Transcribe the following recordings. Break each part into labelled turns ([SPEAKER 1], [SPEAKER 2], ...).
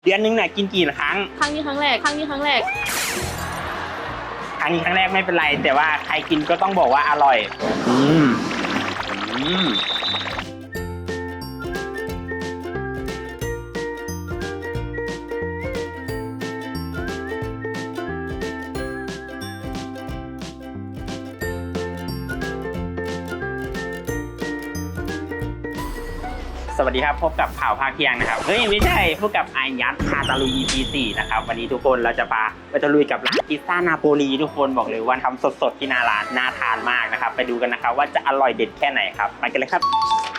[SPEAKER 1] เดือนนึงเนี่ยกินกี่ครั้ง
[SPEAKER 2] ครั้งนี้ครั้งแรก
[SPEAKER 1] ครั้งนี้ครั้งแรกไม่เป็นไรแต่ว่าใครกินก็ต้องบอกว่าอร่อยสวัสดีครับพบกับข่าวภาคเที่ยงนะครับเฮ้ยไม่ใช่พบกับไอยัดพาตะลุย EP 4นะครับวันนี้ทุกคนเราจะพาไปตะลุยกับร้านพิซซ่านาโปลีทุกคนบอกเลยว่าทำสดๆที่หน้าร้านน่าทานมากนะครับไปดูกันนะครับว่าจะอร่อยเด็ดแค่ไหนครับไปกันเลยครับ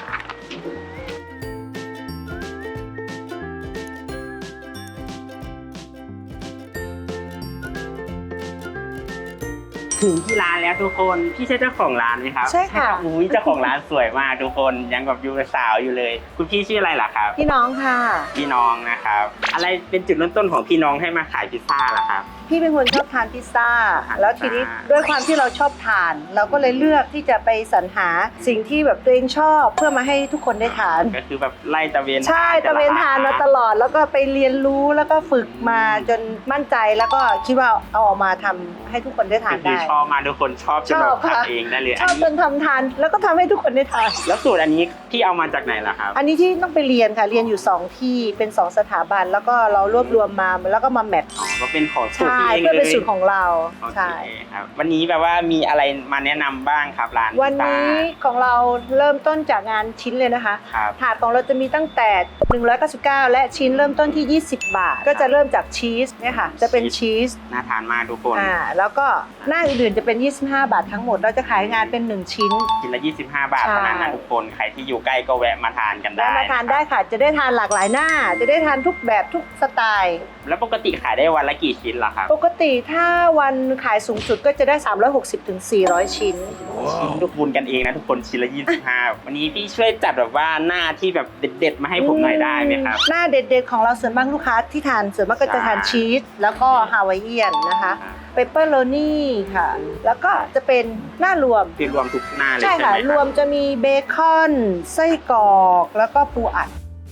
[SPEAKER 1] ถึงที่ร้านแล้วทุกคนพี่ใช่เจ้าของร้านไหมครับ
[SPEAKER 3] ใช่ค่ะ
[SPEAKER 1] อุ้ยเจ้าของร้านสวยมากทุกคนยังแบบอยู่สาวอยู่เลยคุณพี่ชื่ออะไรล่ะครับ
[SPEAKER 3] พี่น้องค่ะ
[SPEAKER 1] พี่น้องนะครับอะไรเป็นจุดเริ่มต้นของพี่น้องให้มาขายพิซซ่าล่ะครับ
[SPEAKER 3] พี่เป็นคนชอบทานพิซซ่าแล้วทีนี้ด้วยความที่เราชอบทานเราก็เลยเลือกที่จะไปสรรหาสิ่งที่แบบตัวเองชอบเพื่อมาให้ทุกคนได้ทาน
[SPEAKER 1] ก็คือแบบไล่ตะเวน
[SPEAKER 3] ใช่ตะเวนทานมาตลอดแล้วก็ไปเรียนรู้แล้วก็ฝึกมาจนมั่นใจแล้วก็คิดว่าเอาออกมาทำให้ทุกคนได้ทานได้
[SPEAKER 1] ชอบมาทุกคนชอบจนแบบทำเองได้เลย
[SPEAKER 3] ชอบจนทำทานแล้วก็ทำให้ทุกคนได้ทาน
[SPEAKER 1] แล้วสูตรอันนี้พี่เอามาจากไหนล่ะครับ
[SPEAKER 3] อันนี้ที่ต้องไปเรียนค่ะเรียนอยู่2ที่เป็น2สถาบันแล้วก็เรารวบรวมมาแล้วก็มาแมท
[SPEAKER 1] ก็เป็นของสูตรที่เองเลย
[SPEAKER 3] เพื่อเป็นสูตรของเรา
[SPEAKER 1] ใช่ครับวันนี้แบบว่ามีอะไรมาแนะนำบ้างครับร้าน
[SPEAKER 3] วันนี้ของเราเริ่มต้นจากงานชิ้นเลยนะคะถาดของเราจะมีตั้งแต่199และชิ้นเริ่มต้นที่20 บาทก็จะเริ่มจากชีสเนี่ยค่ะจะเป็นชีส
[SPEAKER 1] น่าทานมากทุกคน
[SPEAKER 3] แล้วก็หน้าอื่นๆจะเป็น25 บาททั้งหมดเราจะขายงานเป็น1ชิ้น
[SPEAKER 1] ละ25 บาทเท่านั้นนะทุกคนใครที่อยู่ใกล้ก็แวะมาทานกันได้
[SPEAKER 3] มาทานได้ค่ะจะได้ทานหลากหลายหน้าจะได้ทานทุกแบบทุกสไตล์
[SPEAKER 1] แล้วปกติขายได้วันละกี่ชิ้นล่ะครับ
[SPEAKER 3] ปกติถ้าวันขายสูงสุดก็จะได้360ถึง400ชิ้น
[SPEAKER 1] ทุกบุญกันเองนะทุกคนชิ้นละ25วันนี้พี่ช่วยจัดแบบว่าหน้าที่แบบเด็ดๆมาให้ผมหน่อยได้ไหมครับ
[SPEAKER 3] หน้าเด็ดๆของเราส่วนมากลูกค้าที่ทานส่วนมากก็จะทานชีสแล้วก็ฮาวายเอียนนะคะเปปเปอร์โรนี่ค่ะแล้วก็จะเป็นหน้ารวม
[SPEAKER 1] ที่รวมทุกหน้าเลย
[SPEAKER 3] ใช่ค่ะรวมจะมีเบคอนไส้กรอกแล้วก็ปูอัด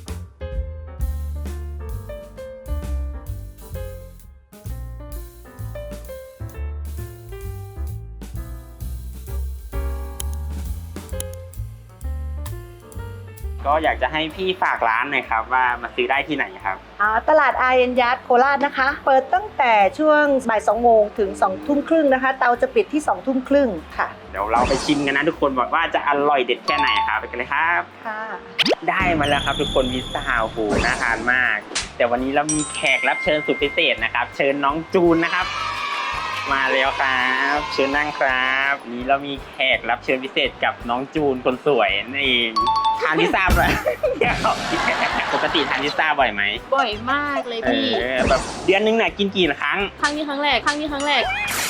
[SPEAKER 1] ก็อยากจะให้พี่ฝากร้านหน่อยครับว่ามาซื้อได้ที่ไหนครับ
[SPEAKER 3] ตลาดอาเอ็นยัดโคราชนะคะเปิดตั้งแต่ช่วงบ่าย2 โมงถึง2 ทุ่มครึ่งนะคะเตาจะปิดที่2 ทุ่มครึ่งค่ะ
[SPEAKER 1] เดี๋ยวเราไปชิมกันนะทุกคนบอกว่าจะอร่อยเด็ดแค่ไหนครับไปกันเลยครับ
[SPEAKER 3] ค่ะ
[SPEAKER 1] ได้มาแล้วครับทุกคนพิซซ่าโอ้โหน่าทานมากแต่วันนี้เรามีแขกรับเชิญสุดพิเศษนะครับเชิญน้องจูนนะครับมาแล้วครับเชิญนั่งครับนี้เรามีแขกรับเชิญพิเศษกับน้องจูนคนสวยนั่นเองทานพิซซ่าบ่อยปกติทานพิซซ่าบ่อยไหม
[SPEAKER 2] บ่อยมากเลยพี่
[SPEAKER 1] แบบเดือนนึงเนี่ยกินกี่ครั้ง
[SPEAKER 2] ครั้งนี้ครั้งแรก
[SPEAKER 1] ครั้งนี้ครั้งแรก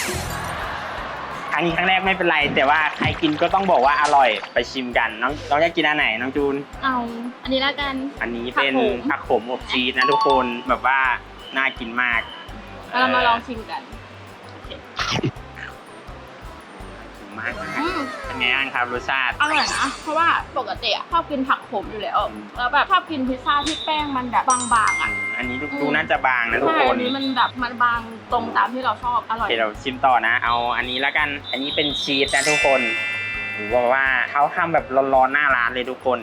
[SPEAKER 1] ไม่เป็นไรแต่ว่าใครกินก็ต้องบอกว่าอร่อยไปชิมกันน้องอยากกินอันไหนน้องจูน
[SPEAKER 2] เอาอันนี้ละกัน
[SPEAKER 1] อันนี้เป็นผักโขมอบชีสนะทุกคนแบบว่าน่ากินมาก
[SPEAKER 2] เรามาลองชิมกัน
[SPEAKER 1] มากเป็นไงบ้างครับรสชาติ
[SPEAKER 2] อร่อยนะเพราะว่าปกติชอบกินผักขมอยู่แล้วแบบชอบกินพิซซ่าที่แป้งมันแบบบางๆ
[SPEAKER 1] อันนี้ดูน่าจะบางนะทุกคน
[SPEAKER 2] อันนี้มันแบบมันบางตรงตามที่เราชอบอร่อย
[SPEAKER 1] เดี๋ยวเราชิมต่อนะเอาอันนี้แล้วกันอันนี้เป็นชีสนะทุกคนบอกว่าเขาทำแบบร้อนๆหน้าร้านเลยทุกคน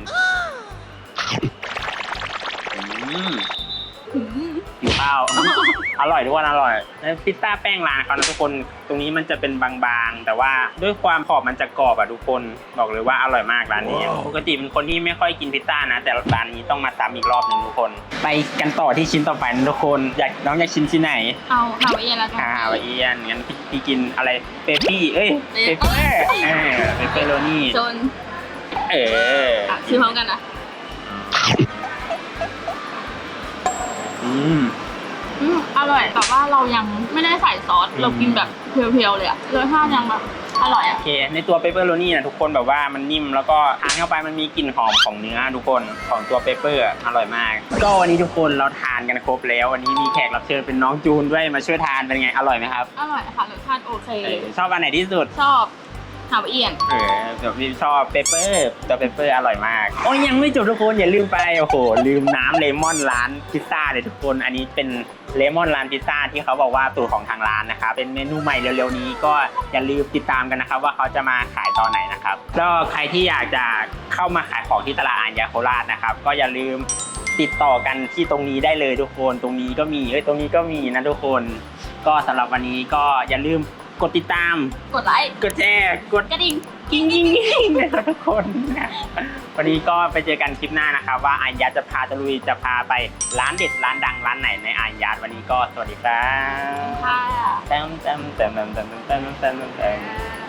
[SPEAKER 1] อยู่ข้าวอร่อยทุกคนอร่อยพิซซ่าแป้งร้านเขานะทุกคนตรงนี้มันจะเป็นบางๆแต่ว่าด้วยความขอบมันจะกรอบทุกคนบอกเลยว่าอร่อยมากร้านนี้ปกติเป็นคนที่ไม่ค่อยกินพิซซ่านะแต่ร้านนี้ต้องมาซ้ำอีกรอบหนึ่งทุกคนไปกันต่อที่ชิ้นต่อไปนะทุกคนน้องอยากชิมชิ้นไหน
[SPEAKER 2] เอาฮาวายเอียนแล้วกัน
[SPEAKER 1] ฮาวายเอียนงั้นพี่กินอะไรเปปปี้เปเปอร์เปเปอร์โรนี่
[SPEAKER 2] จนชิมพร้อมกันนะอร่อยแต่ว่าเรายังไม่ได้ใส่ซอสเรากินแบบเพียวๆเลยรสชาติยังแบบอร่อย
[SPEAKER 1] โอเคในตัวเปปเปอร์โรนี่นะทุกคนแบบว่ามันนิ่มแล้วก็ทานเข้าไปมันมีกลิ่นหอมของเนื้อทุกคนของตัวเปปเปอร์อร่อยมากก็วันนี้ทุกคนเราทานกันครบแล้ววันนี้มีแขกรับเชิญเป็นน้องจูนด้วยมาช่วยทานเป็นไงอร่อยไหมครับ
[SPEAKER 2] อร่อยค่ะรสชาติโอเค
[SPEAKER 1] ชอบอันไหนที่สุด
[SPEAKER 2] ชอบฮาวายเอียน
[SPEAKER 1] แบบนี้ชอบเปเปอร์ตัวเปเปอร์อร่อยมากโอ้ยยังไม่จบทุกคนอย่าลืมไปโอ้โหลืมน้ำเลมอนร้านพิซซ่าเลยทุกคนอันนี้เป็นเลมอนร้านพิซซ่าที่เขาบอกว่าสูตรของทางร้านนะครับเป็นเมนูใหม่เร็วๆนี้ก็อย่าลืมติดตามกันนะครับว่าเขาจะมาขายตอนไหนนะครับก็ใครที่อยากจะเข้ามาขายของที่ตลาดอาญาโคราชนะครับก็อย่าลืมติดต่อกันที่ตรงนี้ได้เลยทุกคนตรงนี้ก็มีตรงนี้ก็มีนะทุกคนก็สำหรับวันนี้ก็อย่าลืมกดติดตาม
[SPEAKER 2] กดไลค์
[SPEAKER 1] กดแชร์กด
[SPEAKER 2] กระดิ่ง
[SPEAKER 1] กิ้งนะครับทุกคนวันนี้ก็ไปเจอกันคลิปหน้านะครับว่าอายัดจะพาตะลุยจะพาไปร้านเด็ดร้านดังร้านไหนในอายัดวันนี้ก็สวัสดีครับ
[SPEAKER 2] ค่ะ
[SPEAKER 1] แต้ม